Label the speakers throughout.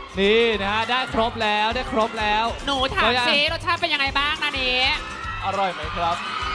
Speaker 1: นี่นะฮะได้ครบแล้วได้ครบแล้ว
Speaker 2: หนูถามซิรสชาติเป็นยังไงบ้างนะนี้
Speaker 3: อร่อยไหมครับ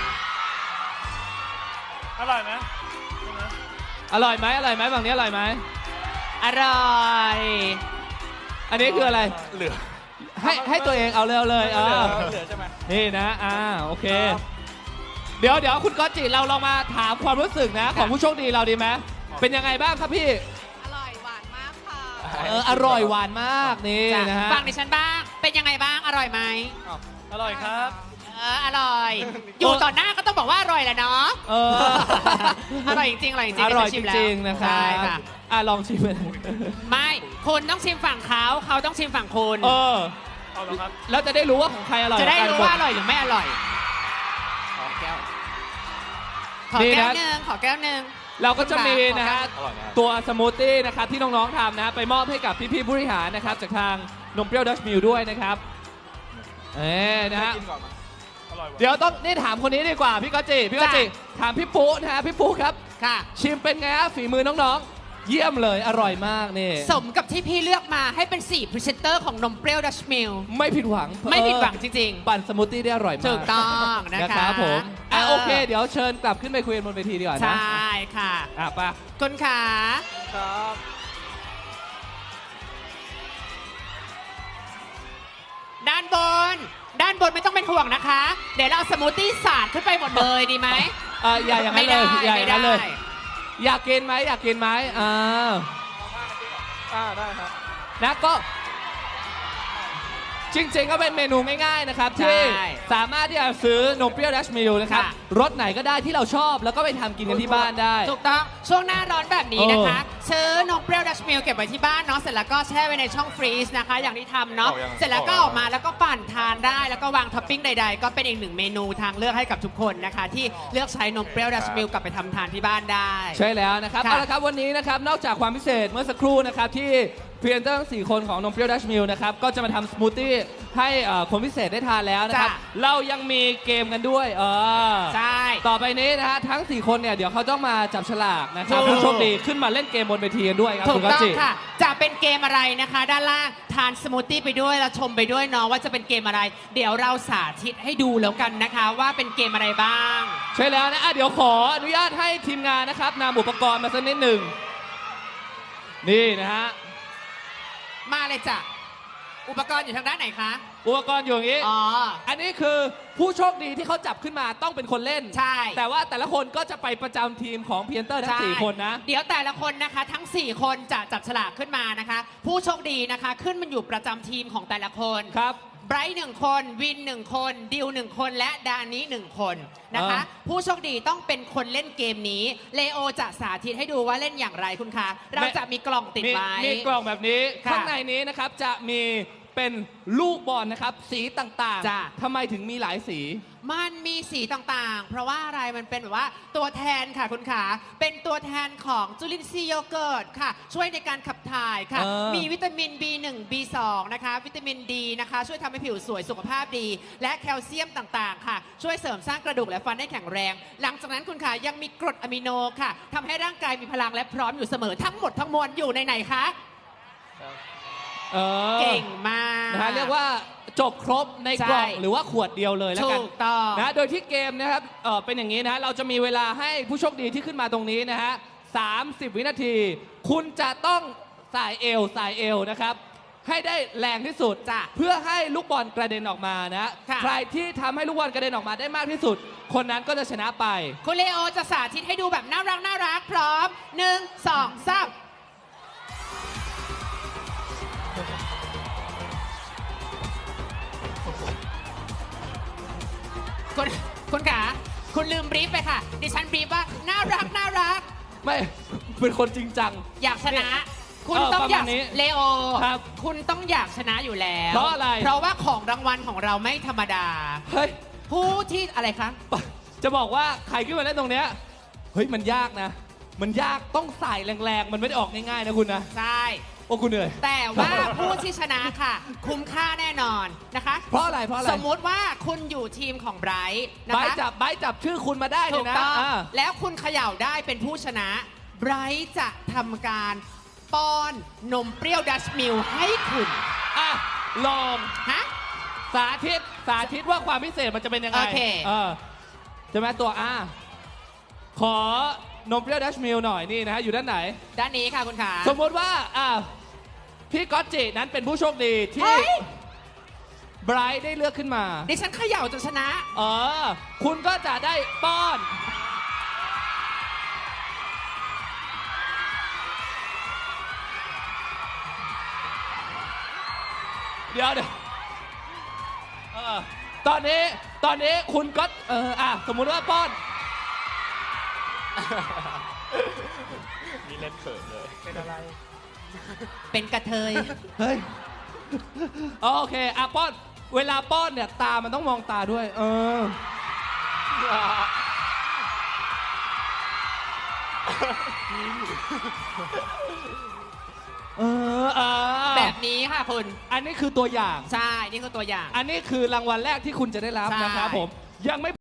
Speaker 3: อร่อยไหม
Speaker 1: อร่อยไหมอร่อยไหมฝั่งนี้อร่อยไหม
Speaker 2: อร่อย
Speaker 1: อันนี้คืออะไร
Speaker 3: เหลือ
Speaker 1: ให้ตัวเองเอาเลยเอาเลย
Speaker 3: เหลือใช่ไหม
Speaker 1: นี่นะโอเค เดี๋ยวคุณก๊อตจิเราลองมาถามความรู้สึกนะของผู้โชคดีเราดีไหมเป็นยังไงบ้างครับพี่
Speaker 4: อร่อยหวานมากค่ะ
Speaker 1: อร่อยหวานมากนี่นะฮะ
Speaker 2: ฟังดิฉันบ้าง เป็นยังไงบ้าง อร่อยไหม
Speaker 3: อร่อยครับ
Speaker 2: อร่อย อยู่ต่อหน้าก็ต้องบอกว่าอร่อยแหละเนาะ อร่อยจริงๆอร่อยจริงๆ
Speaker 1: อร่อย
Speaker 2: ดิฉันชิม
Speaker 1: จ
Speaker 2: แล้ว
Speaker 1: ริงๆนะครั
Speaker 2: ใช่
Speaker 1: บ
Speaker 2: ค่ะ
Speaker 1: ลองชิมเลย
Speaker 2: ไม่คุณต้องชิมฝั่งเขาเขาต้องชิมฝั่งคุณ
Speaker 3: เอาแล้วครับ
Speaker 1: แล้วจะได้รู้ว่าของใครอร่อย
Speaker 2: จะได้รู้ว่าอ
Speaker 1: กัน
Speaker 2: ร่อยหรือไม่อร่อย ขอแก้ว ขอแก้วหนึ่งขอแก้วหนึ่ง
Speaker 1: เราก็จะมีนะฮะ
Speaker 3: อร่อยนะ
Speaker 1: ตัวสมูทตี้นะครับที่น้องๆทำนะไปมอบให้กับพี่ๆผู้บริหารนะครับจากทางนมเปรี้ยวดัชมิลด้วยนะครับนะฮะ
Speaker 3: กินก่อนมั้ยอร่อยว่ะ
Speaker 1: เดี๋ยวต้องนี่ถามคนนี้ดีกว่าพี่ก๊อตจิถามพี่ปุ๊นะฮะพี่ปุ๊ครับ
Speaker 2: ค่ะ
Speaker 1: ชิมเป็นไงฮะฝีมือน้องๆ เยี่ยมเลยอร่อยมากนี่
Speaker 2: สมกับที่พี่เลือกมาให้เป็น4พรีเซนเตอร์ของนมเปรี้ยวดัชมิล
Speaker 1: ไม่ผิดหวัง
Speaker 2: ไม่ผิดหวังจริง
Speaker 1: ปั่นสมูทตี้ได้อร่อยมาก
Speaker 2: ถูกต้องนะคะ
Speaker 1: รับผมโอเค เดี๋ยวเชิญกลับขึ้นไปคุยกันบนเวทีดีกว่า
Speaker 2: ๆ
Speaker 1: นะ
Speaker 2: ใช่ค่ะ
Speaker 1: ไปะ
Speaker 2: คุณขา
Speaker 3: ครับ
Speaker 2: ด้านบน ด้านบนไม่ต้องเป็นห่วงนะคะ เดี๋ยวเราเอาสมูทตี้สาดขึ้นไปหมดเลยดีไหม
Speaker 1: อย่าอย่างนั้นเลยอย่าอย่างนั้นเลย อยากกินไหมอยากกินไหม
Speaker 3: ได้ครับ
Speaker 1: นะก็จริงๆก็เป็นเมนูง่ายๆนะครับ
Speaker 2: ใช่
Speaker 1: ที่สามารถที่จะซื้อนมเปรี้ยวดัชมิลนะครับ
Speaker 2: ค่ะ
Speaker 1: รสไหนก็ได้ที่เราชอบแล้วก็ไปทำกินกันที่บ้านได้
Speaker 2: ถูกต้องช่วงหน้าร้อนแบบนี้นะคะ ซื้อนมเปรี้ยวดัชมิลเก็บไว้ที่บ้านเนาะเสร็จแล้วก็แช่ไว้ในช่องฟรีซนะคะ อย่างที่ทำเนาะ
Speaker 3: ออกยัง
Speaker 2: เสร็จแล้วก็
Speaker 3: อ
Speaker 2: อ
Speaker 3: อ
Speaker 2: อก กมาแล้วก็ปั่นทานได้แล้วก็วางท็อปปิ้งใดๆ ก็เป็นอีกหนึ่งเมนูทางเลือกให้กับทุกคนนะคะ ที่เลือกใช้นมเปรี้ยวดัชมิลกลับไปทำทานที่บ้านได้
Speaker 1: ใช่แล้วนะครับ
Speaker 2: ค่ะ
Speaker 1: เอาละครับวันนี้นะครับนอกจากความพิเศษเมื่อสักครู่นะครับที่พรีเซนเตอร์ทั้ง4คนของนมเปรี้ยวดัชมิลนะครับก็จะมาทำสมูทตี้ให้คนพิเศษได้ทานแล้วนะครับ
Speaker 2: จ้ะ
Speaker 1: เรายังมีเกมกันด้วย
Speaker 2: ใช่
Speaker 1: ต่อไปนี้นะฮะทั้ง 4 คนเนี่ยเดี๋ยวเขาต้องมาจับฉลากนะครับ
Speaker 2: ถูก
Speaker 1: ผู้โชคดีขึ้นมาเล่นเกมบนเวทีกันด้วยครับ
Speaker 2: ถู
Speaker 1: คุ
Speaker 2: ก
Speaker 1: ณกัจ
Speaker 2: ต้อง
Speaker 1: จิ
Speaker 2: ค่ะ จะเป็นเกมอะไรนะคะ ด้านล่างทานสมูทตี้ไปด้วยแล้วชมไปด้วยเนาะว่าจะเป็นเกมอะไร เดี๋ยวเราสาธิตให้ดูแล้วกันนะคะ ว่าเป็นเกมอะไรบ้าง
Speaker 1: ใช่แล้วนะเดี๋ยวขออนุญาตให้ทีมงานนะครับนำอุปกรณ์มาสักนิดหนึ่งนี่นะฮะ
Speaker 2: มาเลยจ้ะอุปกรณ์อยู่ทางด้านไหนคะ
Speaker 1: อุปกรณ์อยู่อย่างนี้
Speaker 2: อ๋อ
Speaker 1: อันนี้คือผู้โชคดีที่เขาจับขึ้นมาต้องเป็นคนเล่น
Speaker 2: ใช่
Speaker 1: แต่ว่าแต่ละคนก็จะไปประจำทีมของเพียนเตอร์ทั้ง 4 คนนะ
Speaker 2: เดี๋ยวแต่ละคนนะคะทั้ง 4 คนจะจับฉลากขึ้นมานะคะ ผู้โชคดีนะคะขึ้นมันอยู่ประจำทีมของแต่ละคน
Speaker 1: ครับ
Speaker 2: ไบรท์1 คนวิน1 คนดิว1 คนและดานิ1 คนนะคะ ผู้โชคดีต้องเป็นคนเล่นเกมนี้เลโอจะสาธิตให้ดูว่าเล่นอย่างไรคุณคะเราจะมีกล่องติดไว้
Speaker 1: มีกล่องแบบนี้
Speaker 2: ค่ะ
Speaker 1: ข้างในนี้นะครับจะมีเป็นลูกบอลนะครับ สีต่าง
Speaker 2: จ้ะ
Speaker 1: ๆทำไมถึงมีหลายสี
Speaker 2: มันมีสีต่างๆ เพราะว่าอะไรมันเป็นแบบว่าตัวแทนค่ะคุณขาเป็นตัวแทนของจุลินทรีย์โยเกิร์ตค่ะ ช่วยในการขับถ่ายค่ะ มีวิตามิน B1 B2 นะคะ วิตามินดีนะคะ ช่วยทำให้ผิวสวยสุขภาพดี และแคลเซียมต่างๆ ค่ะ ช่วยเสริมสร้างกระดูกและฟันให้แข็งแรง หลังจากนั้นคุณขายังมีกรดอะมิโนค่ะทำให้ร่างกายมีพลังและพร้อมอยู่เสมอทั้งหมดทั้งมวลอยู่ในไหนคะ เก่งมาก
Speaker 1: นะฮะเรียกว่าจบครบในกล่อง
Speaker 2: ใช่
Speaker 1: หรือว่าขวดเดียวเลยแล้วกัน
Speaker 2: ถูกต้อง
Speaker 1: นะโดยที่เกมนะครับเป็นอย่างนี้นะฮะเราจะมีเวลาให้ผู้โชคดีที่ขึ้นมาตรงนี้นะฮะ30 วินาที คุณจะต้องสายเอวนะครับให้ได้แรงที่สุด
Speaker 2: จ้ะ
Speaker 1: เพื่อให้ลูกบอลกระเด็นออกมานะ
Speaker 2: ค่ะ
Speaker 1: ใครที่ทำให้ลูกบอลกระเด็นออกมาได้มากที่สุด คนนั้นก็จะชนะไป
Speaker 2: คุณเลโอจะสาธิตให้ดูแบบน่ารักพร้อม 1 2 3คุณขาคุณลืมบรีฟไปค่ะ ดิฉันบรีฟว่าน่ารัก
Speaker 1: ไม่เป็นคนจริงจัง
Speaker 2: อยากชนะ คุณต้องอยาก
Speaker 1: ประมาณนี้
Speaker 2: เลโอ
Speaker 1: ครับ
Speaker 2: คุณต้องอยากชนะอยู่แล้ว
Speaker 1: เพราะอะไร
Speaker 2: เพราะว่าของรางวัลของเราไม่ธรรมดา
Speaker 1: เฮ้ย
Speaker 2: ผู้ที่อะไรคะ
Speaker 1: จะบอกว่าใครขึ้นมาเล่นตรงเนี้ยเฮ้ยมันยากนะ มันยากต้องใส่แรงๆ มันไม่ได้ออกง่ายๆนะคุณนะ
Speaker 2: ใช่
Speaker 1: โอ้คุณเหนื่อย
Speaker 2: แต่ว่าผู้ที่ชนะค่ะ คุ้มค่าแน่นอนนะคะ
Speaker 1: เพราะอะไรเพราะอะไร
Speaker 2: สมมุติว่าคุณอยู่ทีมของไบรท์นะ
Speaker 1: ใบ
Speaker 2: คะ
Speaker 1: จับชื่อคุณมาได้เล
Speaker 2: ถู
Speaker 1: ย
Speaker 2: ก
Speaker 1: นะ
Speaker 2: ต้อง
Speaker 1: อ่า
Speaker 2: แล้วคุณเขย่าได้เป็นผู้ชนะไบรท์จะทำการป้อนนมเปรี้ยวดัชมิลให้คุณ
Speaker 1: อ่ะ ลอง
Speaker 2: ฮะ
Speaker 1: สาธิตว่าความพิเศษมันจะเป็นยังไง
Speaker 2: โอเค
Speaker 1: ใช่ไหมตัวขอนมเปรี้ยวดัชมิลหน่อยนี่นะฮะอยู่ด้านไหน
Speaker 2: ด้านนี้ค่ะคุณขา
Speaker 1: สมมติว่าพี่ก๊อตจินั้นเป็นผู้โชคดีที่
Speaker 2: เฮ้ย
Speaker 1: ไบรท์ได้เลือกขึ้นมา
Speaker 2: ดิฉันเขย่าจนชนะ
Speaker 1: คุณก็จะได้ป้อน เดี๋ยวตอนนี้คุณก็สมมุติว่าป้อน
Speaker 3: มีเล่นเขินเลย เป็นอะไร
Speaker 2: เป็นกระเทย
Speaker 1: เฮ้ย โอเคป้อน เวลาป้อนเนี่ย ตามันต้องมองตาด้วย
Speaker 2: แบบนี้ค่ะคุณ
Speaker 1: อันนี้คือตัวอย่าง
Speaker 2: ใช่ นี่คือตัวอย่าง
Speaker 1: อันนี้คือรางวัลแรกที่คุณจะได้รับ
Speaker 2: ใช่
Speaker 1: นะครับผม ยังไม่